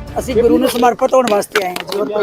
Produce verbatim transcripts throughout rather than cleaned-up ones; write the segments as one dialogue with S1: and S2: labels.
S1: ਅਸੀਂ ਗੁਰੂ ਨੂੰ ਸਮਰਪਿਤ ਹੋਣ ਵਾਸਤੇ ਆਏ ਹਾਂ ਜੀ।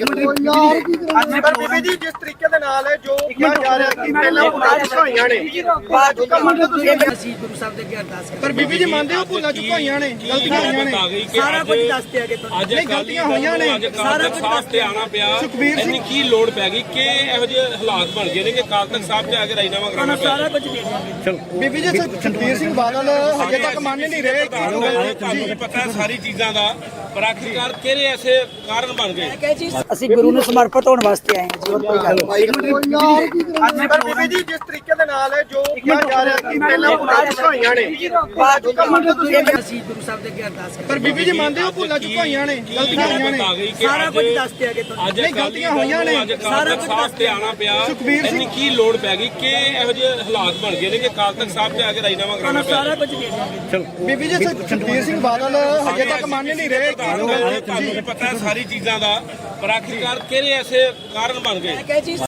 S2: ਪਰ ਬੀਬੀ ਜੀ ਜਿਸ ਤਰੀਕੇ ਦੇ ਨਾਲ ਜੋ ਕਿਹਾ ਜਾ ਰਿਹਾ ਕਿ ਪਹਿਲਾਂ ਭੁੱਲਾਂ ਚੁੱਕੀਆਂ ਹੋਈਆਂ ਨੇ
S1: ਅਸੀਂ ਗੁਰੂ ਸਾਹਿਬ ਦੇ ਅੱਗੇ ਅਰਦਾਸ ਕਰਦੇ
S2: ਪਰ ਬੀਬੀ ਜੀ ਮੰਨਦੇ ਹੋ ਭੁੱਲਾਂ ਚੁੱਕੀਆਂ ਹੋਈਆਂ ਨੇ ਗਲਤੀਆਂ ਹੋਈਆਂ ਨੇ
S1: ਸਾਰਾ ਕੁਝ ਦੱਸਦੇ ਆਗੇ ਤੁਹਾਨੂੰ।
S3: ਅੱਜ
S2: ਨਹੀਂ, ਗਲਤੀਆਂ ਹੋਈਆਂ ਨੇ।
S3: ਸਾਰਾ ਕੁਝ ਸਾਥ ਤੇ ਆਣਾ ਪਿਆ।
S2: ਸੁਖਬੀਰ ਸਿੰਘ
S3: ਇੰਨੀ ਕੀ ਲੋੜ ਪੈ ਗਈ ਕਿ ਇਹੋ ਜਿਹੇ ਹਾਲਾਤ ਬਣ ਗਏ ਨੇ ਕਿ ਕਾਲ ਤੱਕ ਸਾਹਿਬ ਤੇ ਆ ਕੇ ਰਾਜੀਨਾਮਾ ਕਰਾਉਣਾ ਪਿਆ।
S1: ਸਾਰਾ ਕੁਝ ਦੇ ਦਿਆਂਗੇ।
S2: ਬੀਬੀ ਜੀ ਸੁਖਬੀਰ ਸਿੰਘ ਬਾਦਲ ਹਜੇ ਤੱਕ ਮੰਨ ਨਹੀਂ ਰਹੇ।
S3: ਤੁਹਾਨੂੰ ਪਤਾ ਹੈ ਸਾਰੀ ਚੀਜ਼ਾਂ ਦਾ, ਪਰ ਆਖਿਰਕਾਰ ਕਿਹੜੇ ਐਸੇ ਕਾਰਨ ਬਣ ਗਏ।
S1: ਅਸੀਂ ਗੁਰੂ ਨੂੰ ਸਮਰਪਿਤ ਹੋਣ ਵਾਸਤੇ ਆਏ ਹਾਂ ਜੀ।
S2: ਪਰ ਬੀਬੀ ਜੀ ਜਿਸ ਤਰੀਕੇ ਦੇ ਨਾਲ ਜੋ ਕਿਹਾ ਜਾ ਰਿਹਾ ਕਿ ਪਹਿਲਾਂ ਭੁੱਲਾਂ ਚੁੱਕੀਆਂ ਹੋਈਆਂ ਨੇ
S1: ਅਸੀਂ ਗੁਰੂ ਸਾਹਿਬ ਦੇ ਅੱਗੇ ਅਰਦਾਸ ਕਰਦੇ
S2: ਪਰ ਬੀਬੀ ਜੀ ਮੰਨਦੇ ਹੋ ਭੁੱਲਾਂ ਚੁੱਕੀਆਂ ਹੋਈਆਂ ਨੇ ਗਲਤੀਆਂ ਹੋਈਆਂ ਨੇ
S1: ਸਾਰਾ ਕੁਝ ਦੱਸਦੇ ਆਗੇ ਤੁਹਾਨੂੰ।
S3: ਅੱਜ
S2: ਨਹੀਂ, ਗਲਤੀਆਂ ਹੋਈਆਂ ਨੇ।
S3: ਸਾਰਾ ਕੁਝ ਸਾਥ ਤੇ ਆਣਾ ਪਿਆ।
S2: ਸੁਖਬੀਰ ਸਿੰਘ
S3: ਇੰਨੀ ਕੀ ਲੋੜ ਪੈ ਗਈ ਕਿ ਇਹੋ ਜਿਹੇ ਹਾਲਾਤ ਬਣ ਗਏ ਨੇ ਕਿ ਕਾਲ ਤੱਕ ਸਾਹਿਬ ਤੇ ਆ ਕੇ ਰਾਜੀਨਾਮਾ ਕਰਾਉਣਾ ਪਿਆ।
S1: ਸਾਰਾ ਕੁਝ ਦੇ ਦਿਆਂਗੇ।
S2: ਬੀਬੀ ਜੀ ਸੁਖਬੀਰ ਸਿੰਘ ਬਾਦਲ ਹਜੇ ਤੱਕ ਮੰਨ ਨਹੀਂ ਰਹੇ।
S3: ਤੁਹਾਨੂੰ ਪਤਾ ਹੈ ਸਾਰੀ ਚੀਜ਼ਾਂ ਦਾ, ਪਰ ਆਖਿਰਕਾਰ ਕਿਹੜੇ ਐਸੇ ਕਾਰਨ ਬਣ ਗਏ।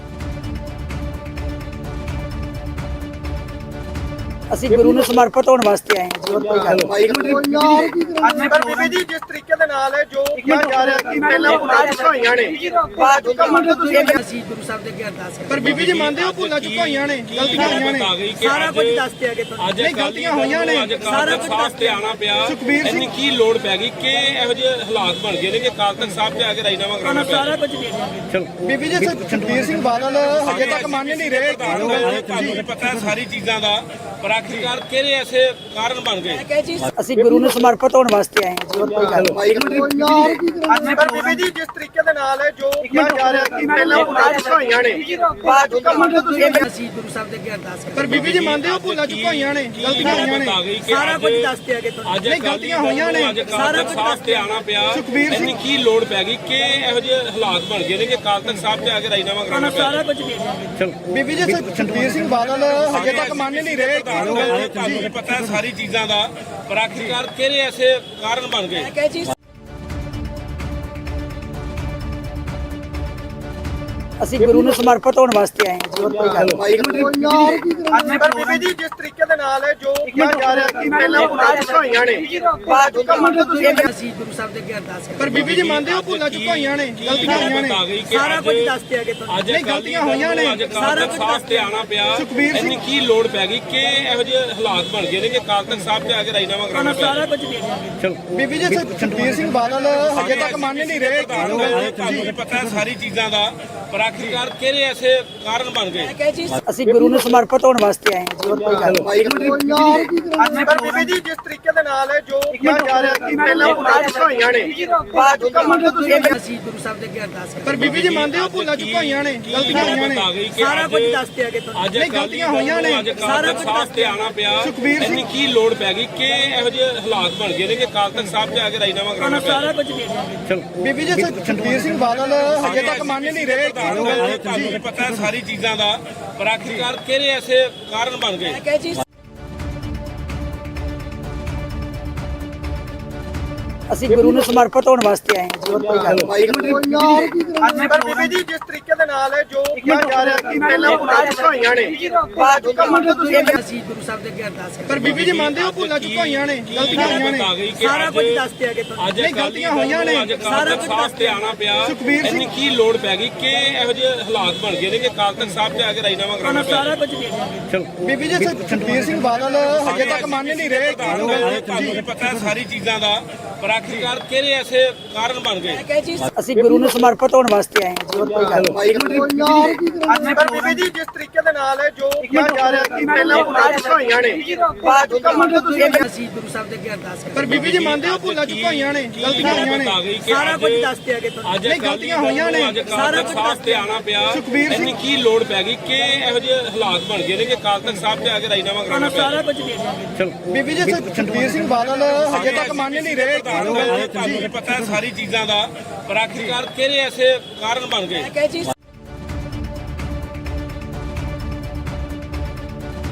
S1: ਅਸੀਂ ਗੁਰੂ ਨੂੰ ਸਮਰਪਿਤ ਹੋਣ ਵਾਸਤੇ ਆਏ ਹਾਂ ਜੀ।
S2: ਪਰ ਬੀਬੀ ਜੀ ਜਿਸ ਤਰੀਕੇ ਦੇ ਨਾਲ ਜੋ ਕਿਹਾ ਜਾ ਰਿਹਾ ਕਿ ਪਹਿਲਾਂ ਭੁੱਲਾਂ ਚੁੱਕੀਆਂ ਹੋਈਆਂ ਨੇ
S1: ਅਸੀਂ ਗੁਰੂ ਸਾਹਿਬ ਦੇ ਅੱਗੇ ਅਰਦਾਸ ਕਰਦੇ
S2: ਪਰ ਬੀਬੀ ਜੀ ਮੰਨਦੇ ਹੋ ਭੁੱਲਾਂ ਚੁੱਕੀਆਂ ਹੋਈਆਂ ਨੇ ਗਲਤੀਆਂ ਹੋਈਆਂ ਨੇ
S1: ਸਾਰਾ ਕੁਝ ਦੱਸਦੇ ਆਗੇ ਤੁਹਾਨੂੰ।
S3: ਅੱਜ
S2: ਨਹੀਂ, ਗਲਤੀਆਂ ਹੋਈਆਂ ਨੇ।
S3: ਸਾਰਾ ਕੁਝ ਸਾਥ ਤੇ ਆਣਾ ਪਿਆ।
S2: ਸੁਖਬੀਰ ਸਿੰਘ
S3: ਇੰਨੀ ਕੀ ਲੋੜ ਪੈ ਗਈ ਕਿ ਇਹੋ ਜਿਹੇ ਹਾਲਾਤ ਬਣ ਗਏ ਨੇ ਕਿ ਕਾਲ ਤੱਕ ਸਾਹਿਬ ਤੇ ਆ ਕੇ ਰਾਜੀਨਾਮਾ ਕਰਾਉਣਾ ਪਿਆ।
S1: ਸਾਰਾ ਕੁਝ ਦੇ ਦਿਆਂਗੇ।
S2: ਬੀਬੀ ਜੀ ਸੁਖਬੀਰ ਸਿੰਘ ਬਾਦਲ ਹਜੇ ਤੱਕ ਮੰਨ ਨਹੀਂ ਰਹੇ।
S3: ਤੁਹਾਨੂੰ ਪਤਾ ਹੈ ਸਾਰੀ ਚੀਜ਼ਾਂ ਦਾ, ਪਰ ਆਖਿਰਕਾਰ ਕਿਹੜੇ ਐਸੇ ਕਾਰਨ ਬਣ ਗਏ।
S1: ਅਸੀਂ ਗੁਰੂ ਨੂੰ ਸਮਰਪਿਤ ਹੋਣ ਵਾਸਤੇ ਆਏ ਹਾਂ ਜੀ।
S2: ਪਰ ਬੀਬੀ ਜੀ ਜਿਸ ਤਰੀਕੇ ਦੇ ਨਾਲ ਜੋ ਕਿਹਾ ਜਾ ਰਿਹਾ ਕਿ ਪਹਿਲਾਂ ਭੁੱਲਾਂ ਚੁੱਕੀਆਂ ਹੋਈਆਂ ਨੇ
S1: ਅਸੀਂ ਗੁਰੂ ਸਾਹਿਬ ਦੇ ਅੱਗੇ ਅਰਦਾਸ ਕਰਦੇ
S2: ਪਰ ਬੀਬੀ ਜੀ ਮੰਨਦੇ ਹੋ ਭੁੱਲਾਂ ਚੁੱਕੀਆਂ ਹੋਈਆਂ ਨੇ ਗਲਤੀਆਂ ਹੋਈਆਂ ਨੇ
S1: ਸਾਰਾ ਕੁਝ ਦੱਸਦੇ ਆਗੇ ਤੁਹਾਨੂੰ।
S3: ਅੱਜ
S2: ਨਹੀਂ, ਗਲਤੀਆਂ ਹੋਈਆਂ ਨੇ।
S3: ਸਾਰਾ ਕੁਝ ਸਾਥ ਤੇ ਆਣਾ ਪਿਆ।
S2: ਸੁਖਬੀਰ ਸਿੰਘ
S3: ਇੰਨੀ ਕੀ ਲੋੜ ਪੈ ਗਈ ਕਿ ਇਹੋ ਜਿਹੇ ਹਾਲਾਤ ਬਣ ਗਏ ਨੇ ਕਿ ਕਾਲ ਤੱਕ ਸਾਹਿਬ ਤੇ ਆ ਕੇ ਰਾਜੀਨਾਮਾ ਕਰਾਉਣਾ ਪਿਆ।
S1: ਸਾਰਾ ਕੁਝ ਦੇ ਦਿਆਂਗੇ।
S2: ਬੀਬੀ ਜੀ ਸੁਖਬੀਰ ਸਿੰਘ ਬਾਦਲ ਹਜੇ ਤੱਕ ਮੰਨ ਨਹੀਂ ਰਹੇ।
S3: ਤੁਹਾਨੂੰ ਪਤਾ ਹੈ ਸਾਰੀ ਚੀਜ਼ਾਂ ਦਾ, ਪਰ ਆਖਿਰਕਾਰ ਕਿਹੜੇ ਐਸੇ ਕਾਰਨ ਬਣ ਗਏ।
S1: ਅਸੀਂ ਗੁਰੂ ਨੂੰ ਸਮਰਪਿਤ ਹੋਣ ਵਾਸਤੇ ਆਏ ਹਾਂ ਜੀ।
S2: ਪਰ ਬੀਬੀ ਜੀ ਜਿਸ ਤਰੀਕੇ ਦੇ ਨਾਲ ਜੋ ਕਿਹਾ ਜਾ ਰਿਹਾ ਕਿ ਪਹਿਲਾਂ ਭੁੱਲਾਂ ਚੁੱਕੀਆਂ ਹੋਈਆਂ ਨੇ
S1: ਅਸੀਂ ਗੁਰੂ ਸਾਹਿਬ ਦੇ ਅੱਗੇ ਅਰਦਾਸ ਕਰਦੇ
S2: ਪਰ ਬੀਬੀ ਜੀ ਮੰਨਦੇ ਹੋ ਭੁੱਲਾਂ ਚੁੱਕੀਆਂ ਹੋਈਆਂ ਨੇ ਗਲਤੀਆਂ ਹੋਈਆਂ ਨੇ
S1: ਸਾਰਾ ਕੁਝ ਦੱਸਦੇ ਆਗੇ ਤੁਹਾਨੂੰ।
S3: ਅੱਜ
S2: ਨਹੀਂ, ਗਲਤੀਆਂ ਹੋਈਆਂ ਨੇ।
S3: ਸਾਰਾ ਕੁਝ ਸਾਥ ਤੇ ਆਣਾ ਪਿਆ।
S2: ਸੁਖਬੀਰ ਸਿੰਘ
S3: ਇੰਨੀ ਕੀ ਲੋੜ ਪੈ ਗਈ ਕਿ ਇਹੋ ਜਿਹੇ ਹਾਲਾਤ ਬਣ ਗਏ ਨੇ ਕਿ ਕਾਲ ਤੱਕ ਸਾਹਿਬ ਤੇ ਆ ਕੇ ਰਾਜੀਨਾਮਾ ਕਰਾਉਣਾ ਪਿਆ।
S1: ਸਾਰਾ ਕੁਝ ਦੇ ਦਿਆਂਗੇ।
S2: ਬੀਬੀ ਜੀ ਸੁਖਬੀਰ ਸਿੰਘ ਬਾਦਲ ਹਜੇ ਤੱਕ ਮੰਨ ਨਹੀਂ ਰਹੇ।
S3: ਤੁਹਾਨੂੰ ਪਤਾ ਹੈ ਸਾਰੀ ਚੀਜ਼ਾਂ ਦਾ, ਪਰ ਆਖਿਰਕਾਰ ਕਿਹੜੇ ਐਸੇ ਕਾਰਨ ਬਣ ਗਏ।
S1: ਅਸੀਂ ਗੁਰੂ ਨੂੰ ਸਮਰਪਿਤ ਹੋਣ ਵਾਸਤੇ ਆਏ ਹਾਂ ਜੀ।
S2: ਪਰ ਬੀਬੀ ਜੀ ਜਿਸ ਤਰੀਕੇ ਦੇ ਨਾਲ ਜੋ ਕਿਹਾ ਜਾ ਰਿਹਾ ਕਿ ਪਹਿਲਾਂ ਭੁੱਲਾਂ ਚੁੱਕੀਆਂ ਹੋਈਆਂ ਨੇ
S1: ਅਸੀਂ ਗੁਰੂ ਸਾਹਿਬ ਦੇ ਅੱਗੇ ਅਰਦਾਸ ਕਰਦੇ
S2: ਪਰ ਬੀਬੀ ਜੀ ਮੰਨਦੇ ਹੋ ਭੁੱਲਾਂ ਚੁੱਕੀਆਂ ਹੋਈਆਂ ਨੇ ਗਲਤੀਆਂ ਹੋਈਆਂ ਨੇ
S1: ਸਾਰਾ ਕੁਝ ਦੱਸਦੇ ਆਗੇ ਤੁਹਾਨੂੰ।
S3: ਅੱਜ
S2: ਨਹੀਂ, ਗਲਤੀਆਂ ਹੋਈਆਂ ਨੇ।
S3: ਸਾਰਾ ਕੁਝ ਸਾਥ ਤੇ ਆਣਾ ਪਿਆ।
S2: ਸੁਖਬੀਰ ਸਿੰਘ
S3: ਇੰਨੀ ਕੀ ਲੋੜ ਪੈ ਗਈ ਕਿ ਇਹੋ ਜਿਹੇ ਹਾਲਾਤ ਬਣ ਗਏ ਨੇ ਕਿ ਕਾਲ ਤੱਕ ਸਾਹਿਬ ਤੇ ਆ ਕੇ ਰਾਜੀਨਾਮਾ ਕਰਾਉਣਾ ਪਿਆ।
S1: ਸਾਰਾ ਕੁਝ ਦੇ ਦਿਆਂਗੇ।
S2: ਬੀਬੀ ਜੀ ਸੁਖਬੀਰ ਸਿੰਘ ਬਾਦਲ ਹਜੇ ਤੱਕ ਮੰਨ ਨਹੀਂ ਰਹੇ।
S3: ਤੁਹਾਨੂੰ ਪਤਾ ਹੈ ਸਾਰੀ ਚੀਜ਼ਾਂ ਦਾ, ਪਰ ਆਖਿਰਕਾਰ ਕਿਹੜੇ ਐਸੇ ਕਾਰਨ ਬਣ ਗਏ।
S1: ਜੀ। ਅਸੀਂ ਗੁਰੂ ਨੂੰ ਸਮਰਪਿਤ ਹੋਣ ਵਾਸਤੇ ਆਏ ਹਾਂ ਜੀ। ਅਸੀਂ ਗੁਰੂ ਨੂੰ ਸਮਰਪਿਤ ਹੋਣ ਵਾਸਤੇ ਆਏ ਹਾਂ ਜੀ।
S3: ਤੁਹਾਨੂੰ ਪਤਾ ਹੈ ਸਾਰੀ ਚੀਜ਼ਾਂ ਦਾ, ਪਰ ਆਖਿਰਕਾਰ ਕਿਹੜੇ ਐਸੇ ਕਾਰਨ ਬਣ ਗਏ।
S1: ਅਸੀਂ ਗੁਰੂ ਨੂੰ ਸਮਰਪਿਤ ਹੋਣ ਵਾਸਤੇ ਆਏ ਹਾਂ ਜੀ।
S3: ਅੱਜ
S1: ਅਸੀਂ ਗੁਰੂ ਨੂੰ ਸਮਰਪਿਤ ਹੋਣ ਵਾਸਤੇ ਆਏ ਹਾਂ ਜੀ।
S2: ਪਰ ਬੀਬੀ ਜੀ ਜਿਸ ਤਰੀਕੇ ਦੇ ਨਾਲ ਜੋ ਕਿਹਾ ਜਾ ਰਿਹਾ ਕਿ ਪਹਿਲਾਂ ਭੁੱਲਾਂ ਚੁੱਕੀਆਂ ਹੋਈਆਂ ਨੇ
S1: ਅਸੀਂ ਗੁਰੂ ਸਾਹਿਬ ਦੇ ਅੱਗੇ ਅਰਦਾਸ ਕਰਦੇ
S2: ਪਰ ਬੀਬੀ ਜੀ ਮੰਨਦੇ ਹੋ ਭੁੱਲਾਂ ਚੁੱਕੀਆਂ ਹੋਈਆਂ ਨੇ ਗਲਤੀਆਂ ਹੋਈਆਂ ਨੇ
S1: ਸਾਰਾ ਕੁਝ ਦੱਸਦੇ ਆਗੇ ਤੁਹਾਨੂੰ।
S3: ਅੱਜ
S2: ਨਹੀਂ, ਗਲਤੀਆਂ ਹੋਈਆਂ ਨੇ।
S3: ਸਾਰਾ ਕੁਝ ਸਾਥ ਤੇ ਆਣਾ ਪਿਆ।
S2: ਸੁਖਬੀਰ ਸਿੰਘ
S3: ਇੰਨੀ ਕੀ ਲੋੜ ਪੈ ਗਈ ਕਿ ਇਹੋ ਜਿਹੇ ਹਾਲਾਤ ਬਣ ਗਏ ਨੇ ਕਿ ਕਾਲ ਤੱਕ ਸਾਹਿਬ ਤੇ ਆ ਕੇ ਰਾਜੀਨਾਮਾ ਕਰਾਉਣਾ ਪਿਆ।
S1: ਸਾਰਾ ਕੁਝ ਦੇ ਦਿਆਂਗੇ।
S2: ਬੀਬੀ ਜੀ ਸੁਖਬੀਰ ਸਿੰਘ ਬਾਦਲ ਹਜੇ ਤੱਕ ਮੰਨ ਨਹੀਂ ਰਹੇ।
S3: ਤੁਹਾਨੂੰ ਪਤਾ ਹੈ ਸਾਰੀ ਚੀਜ਼ਾਂ ਦਾ, ਪਰ ਆਖਿਰਕਾਰ ਕਿਹੜੇ ਐਸੇ ਕਾਰਨ ਬਣ ਗਏ।
S1: ਅਸੀਂ ਗੁਰੂ ਨੂੰ ਸਮਰਪਿਤ ਹੋਣ ਵਾਸਤੇ ਆਏ ਹਾਂ ਜੀ।
S2: ਪਰ ਬੀਬੀ ਜੀ ਜਿਸ ਤਰੀਕੇ ਦੇ ਨਾਲ ਜੋ ਕਿਹਾ ਜਾ ਰਿਹਾ ਕਿ ਪਹਿਲਾਂ ਭੁੱਲਾਂ ਚੁੱਕੀਆਂ ਹੋਈਆਂ ਨੇ
S1: ਅਸੀਂ ਗੁਰੂ ਸਾਹਿਬ ਦੇ ਅੱਗੇ ਅਰਦਾਸ ਕਰਦੇ
S2: ਪਰ ਬੀਬੀ ਜੀ ਮੰਨਦੇ ਹੋ ਭੁੱਲਾਂ ਚੁੱਕੀਆਂ ਹੋਈਆਂ ਨੇ ਗਲਤੀਆਂ ਹੋਈਆਂ ਨੇ
S1: ਸਾਰਾ ਕੁਝ ਦੱਸਦੇ ਆਗੇ ਤੁਹਾਨੂੰ।
S3: ਅੱਜ
S2: ਨਹੀਂ, ਗਲਤੀਆਂ ਹੋਈਆਂ ਨੇ।
S3: ਸਾਰਾ ਕੁਝ ਸਾਥ ਤੇ ਆਣਾ ਪਿਆ।
S2: ਸੁਖਬੀਰ ਸਿੰਘ
S3: ਇੰਨੀ ਕੀ ਲੋੜ ਪੈ ਗਈ ਕਿ ਇਹੋ ਜਿਹੇ ਹਾਲਾਤ ਬਣ ਗਏ ਨੇ ਕਿ ਕਾਲ ਤੱਕ ਸਾਹਿਬ ਤੇ ਆ ਕੇ ਰਾਜੀਨਾਮਾ ਕਰਾਉਣਾ ਪਿਆ।
S1: ਸਾਰਾ ਕੁਝ ਦੇ ਦਿਆਂਗੇ।
S2: ਬੀਬੀ ਜੀ ਸੁਖਬੀਰ ਸਿੰਘ ਬਾਦਲ ਹਜੇ ਤੱਕ ਮੰਨ ਨਹੀਂ ਰਹੇ।
S3: ਤੁਹਾਨੂੰ ਪਤਾ ਹੈ ਸਾਰੀ ਚੀਜ਼ਾਂ ਦਾ, ਪਰ ਆਖਿਰਕਾਰ ਕਿਹੜੇ ਐਸੇ ਕਾਰਨ ਬਣ ਗਏ।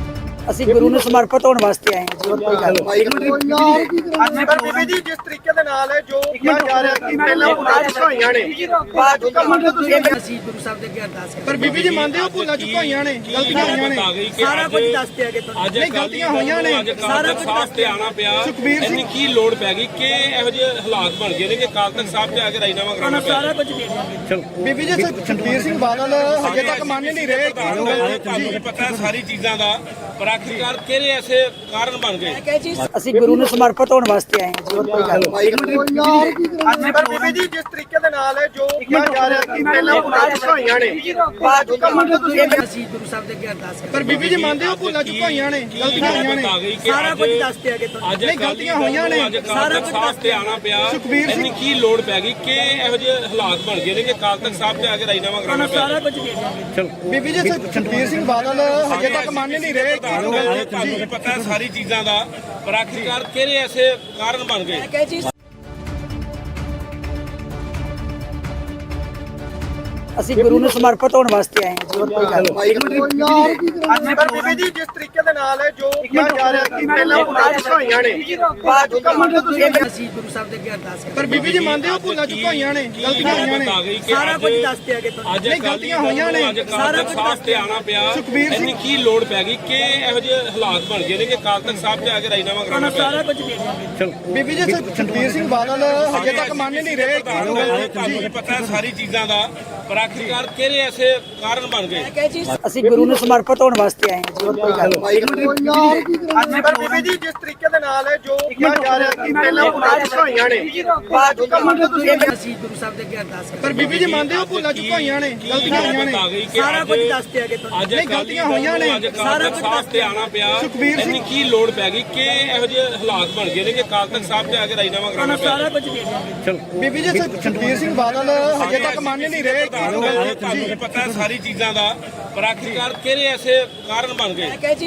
S1: ਅਸੀਂ ਗੁਰੂ ਨੂੰ ਸਮਰਪਿਤ ਹੋਣ ਵਾਸਤੇ ਆਏ ਹਾਂ ਜੀ, ਹੋਰ ਕੋਈ ਗੱਲ ਨਹੀਂ।
S2: ਪਰ ਬੀਬੀ ਜੀ ਜਿਸ ਤਰੀਕੇ ਦੇ ਨਾਲ ਜੋ ਕਿਹਾ ਜਾ ਰਿਹਾ ਕਿ ਪਹਿਲਾਂ ਭੁੱਲਾਂ ਹੋਈਆਂ ਨੇ ਬਾਅਦ ਵਿੱਚ
S1: ਅਸੀਂ ਗੁਰੂ ਸਾਹਿਬ ਦੇ ਅੱਗੇ ਅਰਦਾਸ ਕਰਦੇ
S2: ਪਰ ਬੀਬੀ ਜੀ ਮੰਨਦੇ ਹੋ ਭੁੱਲਾਂ ਚੁੱਕੀਆਂ ਨੇ ਗਲਤੀਆਂ ਹੋਈਆਂ ਨੇ
S1: ਸਾਰਾ ਕੁਝ ਦੱਸਦੇ ਆਗੇ ਤੁਹਾਨੂੰ।
S3: ਅੱਜ
S2: ਨਹੀਂ, ਗਲਤੀਆਂ ਹੋਈਆਂ ਨੇ।
S3: ਸਾਰਾ ਕੁਝ ਸਾਫ਼ ਤੇ ਆਣਾ ਪਿਆ।
S2: ਸੁਖਬੀਰ ਸਿੰਘ-
S3: ਇੰਨੀ ਕੀ ਲੋੜ ਪੈ ਗਈ ਕਿ ਇਹੋ ਜਿਹੇ ਹਾਲਾਤ ਬਣ ਗਏ ਨੇ ਕਿ ਕਾਲ ਤੱਕ ਸਾਹਿਬ ਤੇ ਆ ਕੇ ਰਾਜੀਨਾਮਾ ਕਰਾਉਣਾ
S1: ਤੁਹਾਨੂੰ
S3: ਪਿਆ।
S1: ਸਾਰਾ ਕੁਝ ਦੇ ਦਿਆਂਗੇ।
S2: ਬੀਬੀ ਜੀ ਸੁਖਬੀਰ ਸਿੰਘ ਬਾਦਲ ਹਜੇ ਤੱਕ ਮੰਨ ਨਹੀਂ ਰਹੇ ਕਿ
S3: ਤੁਹਾਨੂੰ ਵੀ ਪਤਾ ਹੈ ਸਾਰੀ ਚੀਜ਼ਾਂ ਦਾ, ਪਰ ਆਖਿਰਕਾਰ ਕਿਹੜੇ ਐਸੇ ਕਾਰਨ ਬਣ ਗਏ?
S1: ਅਸੀਂ ਗੁਰੂ ਨੂੰ ਸਮਰਪਿਤ ਹੋਣ ਵਾਸਤੇ ਆਏ ਹਾਂ ਜੀ, ਹੋਰ ਕੋਈ ਗੱਲ ਨਹੀਂ।
S2: ਪਰ ਬੀਬੀ ਜੀ ਜਿਸ ਤਰੀਕੇ ਦੇ ਨਾਲ ਜੋ ਕਿਹਾ ਜਾ ਰਿਹਾ ਕਿ ਪਹਿਲਾਂ ਭੁੱਲਾਂ ਹੋਈਆਂ ਨੇ ਬਾਅਦ ਵਿੱਚ
S1: ਅਸੀਂ ਗੁਰੂ ਸਾਹਿਬ ਦੇ ਅੱਗੇ ਅਰਦਾਸ ਕਰਦੇ
S2: ਪਰ ਬੀਬੀ ਜੀ ਮੰਨਦੇ ਹੋ ਭੁੱਲਾਂ ਚੁੱਕੀਆਂ ਨੇ ਗਲਤੀਆਂ ਹੋਈਆਂ ਨੇ
S1: ਸਾਰਾ ਕੁਝ ਦੱਸਦੇ ਆਗੇ ਤੁਹਾਨੂੰ।
S3: ਅੱਜ
S2: ਨਹੀਂ, ਗਲਤੀਆਂ ਹੋਈਆਂ ਨੇ।
S3: ਸਾਰਾ ਕੁਝ ਸਾਫ਼ ਤੇ ਆਣਾ ਪਿਆ।
S2: ਸੁਖਬੀਰ ਸਿੰਘ-
S3: ਇੰਨੀ ਕੀ ਲੋੜ ਪੈ ਗਈ ਕਿ ਇਹੋ ਜਿਹੇ ਹਾਲਾਤ ਬਣ ਗਏ ਨੇ ਕਿ ਕਾਲ ਤੱਕ ਸਾਹਿਬ ਤੇ ਆ ਕੇ ਰਾਜੀਨਾਮਾ ਕਰਾਉਣਾ
S1: ਤੁਹਾਨੂੰ
S3: ਪਿਆ।
S1: ਸਾਰਾ ਕੁਝ ਦੇ ਦਿਆਂਗੇ।
S2: ਬੀਬੀ ਜੀ ਸੁਖਬੀਰ ਸਿੰਘ ਬਾਦਲ ਹਜੇ ਤੱਕ ਮੰਨ ਨਹੀਂ ਰਹੇ ਕਿ
S3: ਤੁਹਾਨੂੰ ਵੀ ਪਤਾ ਹੈ ਸਾਰੀ ਚੀਜ਼ਾਂ ਦਾ, ਪਰ ਆਖਿਰਕਾਰ ਕਿਹੜੇ ਐਸੇ ਕਾਰਨ ਬਣ ਗਏ?
S1: ਅਸੀਂ ਗੁਰੂ ਨੂੰ ਸਮਰਪਿਤ ਹੋਣ ਵਾਸਤੇ ਆਏ ਹਾਂ ਜੀ, ਹੋਰ ਕੋਈ ਗੱਲ ਨਹੀਂ।
S2: ਪਰ ਬੀਬੀ ਜੀ ਜਿਸ ਤਰੀਕੇ ਦੇ ਨਾਲ ਜੋ ਕਿਹਾ ਜਾ ਰਿਹਾ ਕਿ ਪਹਿਲਾਂ ਭੁੱਲਾਂ ਹੋਈਆਂ ਨੇ ਬਾਅਦ ਵਿੱਚ
S1: ਅਸੀਂ ਗੁਰੂ ਸਾਹਿਬ ਦੇ ਅੱਗੇ ਅਰਦਾਸ ਕਰਦੇ
S2: ਪਰ ਬੀਬੀ ਜੀ ਮੰਨਦੇ ਹੋ ਭੁੱਲਾਂ ਚੁੱਕੀਆਂ ਨੇ ਗਲਤੀਆਂ ਹੋਈਆਂ ਨੇ
S1: ਸਾਰਾ ਕੁਝ ਦੱਸਦੇ ਆਗੇ ਤੁਹਾਨੂੰ।
S3: ਅੱਜ
S2: ਨਹੀਂ, ਗਲਤੀਆਂ ਹੋਈਆਂ ਨੇ।
S3: ਸਾਰਾ ਕੁਝ ਸਾਫ਼ ਤੇ ਆਣਾ ਪਿਆ।
S2: ਸੁਖਬੀਰ ਸਿੰਘ-
S3: ਇੰਨੀ ਕੀ ਲੋੜ ਪੈ ਗਈ ਕਿ ਇਹੋ ਜਿਹੇ ਹਾਲਾਤ ਬਣ ਗਏ ਨੇ ਕਿ ਕਾਲ ਤੱਕ ਸਾਹਿਬ ਤੇ ਆ ਕੇ ਰਾਜੀਨਾਮਾ ਕਰਾਉਣਾ
S1: ਤੁਹਾਨੂੰ
S3: ਪਿਆ।
S1: ਸਾਰਾ ਕੁਝ ਦੇ ਦਿਆਂਗੇ।
S2: ਬੀਬੀ ਜੀ ਸੁਖਬੀਰ ਸਿੰਘ ਬਾਦਲ ਹਜੇ ਤੱਕ ਮੰਨ ਨਹੀਂ ਰਹੇ ਕਿ
S3: ਤੁਹਾਨੂੰ ਵੀ ਪਤਾ ਹੈ ਸਾਰੀ ਚੀਜ਼ਾਂ ਦਾ, ਪਰ ਆਖਿਰਕਾਰ ਕਿਹੜੇ ਐਸੇ ਕਾਰਨ ਬਣ ਗਏ?
S1: ਅਸੀਂ ਗੁਰੂ ਨੂੰ ਸਮਰਪਿਤ ਹੋਣ ਵਾਸਤੇ ਆਏ ਹਾਂ ਜੀ, ਹੋਰ ਕੋਈ ਗੱਲ ਨਹੀਂ।
S2: ਪਰ ਬੀਬੀ ਜੀ ਜਿਸ ਤਰੀਕੇ ਦੇ ਨਾਲ ਜੋ ਕਿਹਾ ਜਾ ਰਿਹਾ ਕਿ ਪਹਿਲਾਂ ਭੁੱਲਾਂ ਹੋਈਆਂ ਨੇ ਬਾਅਦ ਵਿੱਚ
S1: ਅਸੀਂ ਗੁਰੂ ਸਾਹਿਬ ਦੇ ਅੱਗੇ ਅਰਦਾਸ ਕਰਦੇ
S2: ਪਰ ਬੀਬੀ ਜੀ ਮੰਨਦੇ ਹੋ ਭੁੱਲਾਂ ਚੁੱਕੀਆਂ ਨੇ ਗਲਤੀਆਂ ਹੋਈਆਂ ਨੇ
S1: ਸਾਰਾ ਕੁਝ ਦੱਸਦੇ ਆਗੇ ਤੁਹਾਨੂੰ।
S3: ਅੱਜ
S2: ਨਹੀਂ, ਗਲਤੀਆਂ ਹੋਈਆਂ ਨੇ।
S3: ਸਾਰਾ ਕੁਝ ਸਾਫ਼ ਤੇ ਆਣਾ ਪਿਆ।
S2: ਸੁਖਬੀਰ ਸਿੰਘ-
S3: ਇੰਨੀ ਕੀ ਲੋੜ ਪੈ ਗਈ ਕਿ ਇਹੋ ਜਿਹੇ ਹਾਲਾਤ ਬਣ ਗਏ ਨੇ ਕਿ ਕਾਲ ਤੱਕ ਸਾਹਿਬ ਤੇ ਆ ਕੇ ਰਾਜੀਨਾਮਾ ਕਰਾਉਣਾ
S1: ਤੁਹਾਨੂੰ
S3: ਪਿਆ।
S1: ਸਾਰਾ ਕੁਝ ਦੇ ਦਿਆਂਗੇ।
S2: ਬੀਬੀ ਜੀ ਸੁਖਬੀਰ ਸਿੰਘ ਬਾਦਲ ਹਜੇ ਤੱਕ ਮੰਨ ਨਹੀਂ ਰਹੇ ਕਿ
S3: ਤੁਹਾਨੂੰ ਵੀ ਪਤਾ ਹੈ ਸਾਰੀ ਚੀਜ਼ਾਂ ਦਾ, ਪਰ ਆਖਿਰਕਾਰ ਕਿਹੜੇ ਐਸੇ ਕਾਰਨ ਬਣ ਗਏ?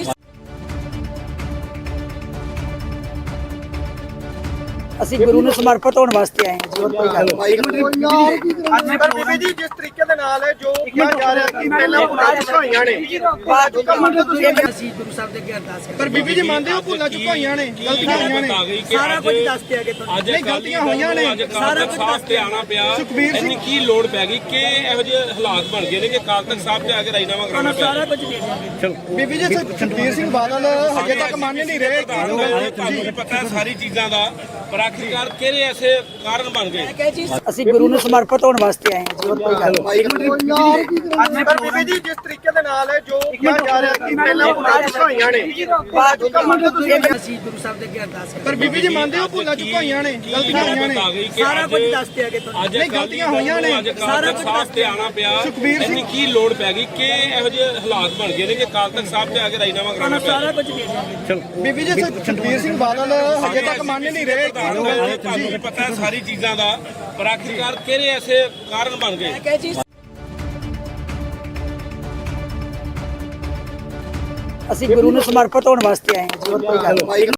S1: ਅਸੀਂ ਗੁਰੂ ਨੂੰ ਸਮਰਪਿਤ ਹੋਣ ਵਾਸਤੇ ਆਏ ਹਾਂ ਜੀ, ਹੋਰ ਕੋਈ ਗੱਲ ਨਹੀਂ।
S2: ਪਰ ਬੀਬੀ ਜੀ ਜਿਸ ਤਰੀਕੇ ਦੇ ਨਾਲ ਜੋ ਕਿਹਾ ਜਾ ਰਿਹਾ ਕਿ ਪਹਿਲਾਂ ਭੁੱਲਾਂ ਹੋਈਆਂ ਨੇ ਬਾਅਦ ਵਿੱਚ
S1: ਅਸੀਂ ਗੁਰੂ ਸਾਹਿਬ ਦੇ ਅੱਗੇ ਅਰਦਾਸ ਕਰਦੇ
S2: ਪਰ ਬੀਬੀ ਜੀ ਮੰਨਦੇ ਹੋ ਭੁੱਲਾਂ ਚੁੱਕੀਆਂ ਨੇ ਗਲਤੀਆਂ ਹੋਈਆਂ ਨੇ
S1: ਸਾਰਾ ਕੁਝ ਦੱਸਦੇ ਆਗੇ ਤੁਹਾਨੂੰ।
S3: ਅੱਜ
S2: ਨਹੀਂ, ਗਲਤੀਆਂ ਹੋਈਆਂ ਨੇ।
S3: ਸਾਰਾ ਕੁਝ ਸਾਫ਼ ਤੇ ਆਣਾ ਪਿਆ।
S2: ਸੁਖਬੀਰ ਸਿੰਘ-
S3: ਇੰਨੀ ਕੀ ਲੋੜ ਪੈ ਗਈ ਕਿ ਇਹੋ ਜਿਹੇ ਹਾਲਾਤ ਬਣ ਗਏ ਨੇ ਕਿ ਕਾਲ ਤੱਕ ਸਾਹਿਬ ਤੇ ਆ ਕੇ ਰਾਜੀਨਾਮਾ ਕਰਾਉਣਾ
S1: ਤੁਹਾਨੂੰ
S3: ਪਿਆ।
S1: ਸਾਰਾ ਕੁਝ ਦੇ ਦਿਆਂਗੇ।
S2: ਬੀਬੀ ਜੀ ਸੁਖਬੀਰ ਸਿੰਘ ਬਾਦਲ ਹਜੇ ਤੱਕ ਮੰਨ ਨਹੀਂ ਰਹੇ ਕਿ
S3: ਤੁਹਾਨੂੰ ਵੀ ਪਤਾ ਹੈ ਸਾਰੀ ਚੀਜ਼ਾਂ ਦਾ, ਪਰ ਆਖਿਰਕਾਰ ਕਿਹੜੇ ਐਸੇ ਕਾਰਨ ਬਣ ਗਏ?
S1: ਅਸੀਂ ਗੁਰੂ ਨੂੰ ਸਮਰਪਿਤ ਹੋਣ ਵਾਸਤੇ ਆਏ ਹਾਂ ਜੀ, ਹੋਰ ਕੋਈ ਗੱਲ ਨਹੀਂ।
S2: ਪਰ ਬੀਬੀ ਜੀ ਜਿਸ ਤਰੀਕੇ ਦੇ ਨਾਲ ਜੋ ਕਿਹਾ ਜਾ ਰਿਹਾ ਕਿ ਪਹਿਲਾਂ ਭੁੱਲਾਂ ਹੋਈਆਂ ਨੇ ਬਾਅਦ ਵਿੱਚ
S1: ਅਸੀਂ ਗੁਰੂ ਸਾਹਿਬ ਦੇ ਅੱਗੇ ਅਰਦਾਸ ਕਰਦੇ
S2: ਪਰ ਬੀਬੀ ਜੀ ਮੰਨਦੇ ਹੋ ਭੁੱਲਾਂ ਚੁੱਕੀਆਂ ਨੇ ਗਲਤੀਆਂ ਹੋਈਆਂ ਨੇ
S1: ਸਾਰਾ ਕੁਝ ਦੱਸਦੇ ਆਗੇ ਤੁਹਾਨੂੰ।
S3: ਅੱਜ
S2: ਨਹੀਂ, ਗਲਤੀਆਂ ਹੋਈਆਂ ਨੇ।
S3: ਸਾਰਾ ਕੁਝ ਸਾਫ਼ ਤੇ ਆਣਾ ਪਿਆ।
S2: ਸੁਖਬੀਰ ਸਿੰਘ-
S3: ਇੰਨੀ ਕੀ ਲੋੜ ਪੈ ਗਈ ਕਿ ਇਹੋ ਜਿਹੇ ਹਾਲਾਤ ਬਣ ਗਏ ਨੇ ਕਿ ਕਾਲ ਤੱਕ ਸਾਹਿਬ ਤੇ ਆ ਕੇ ਰਾਜੀਨਾਮਾ ਕਰਾਉਣਾ
S1: ਤੁਹਾਨੂੰ
S3: ਪਿਆ।
S1: ਸਾਰਾ ਕੁਝ ਦੇ ਦਿਆਂਗੇ।
S2: ਬੀਬੀ ਜੀ ਸੁਖਬੀਰ ਸਿੰਘ ਬਾਦਲ ਹਜੇ ਤੱਕ ਮੰਨ ਨਹੀਂ ਰਹੇ ਕਿ
S3: ਤੁਹਾਨੂੰ ਵੀ ਪਤਾ ਹੈ ਸਾਰੀ ਚੀਜ਼ਾਂ ਦਾ, ਪਰ ਆਖਿਰਕਾਰ ਕਿਹੜੇ ਐਸੇ ਕਾਰਨ ਬਣ ਗਏ?
S1: ਅਸੀਂ ਗੁਰੂ ਨੂੰ ਸਮਰਪਿਤ ਹੋਣ ਵਾਸਤੇ ਆਏ ਹਾਂ ਜੀ, ਹੋਰ ਕੋਈ ਗੱਲ ਨਹੀਂ।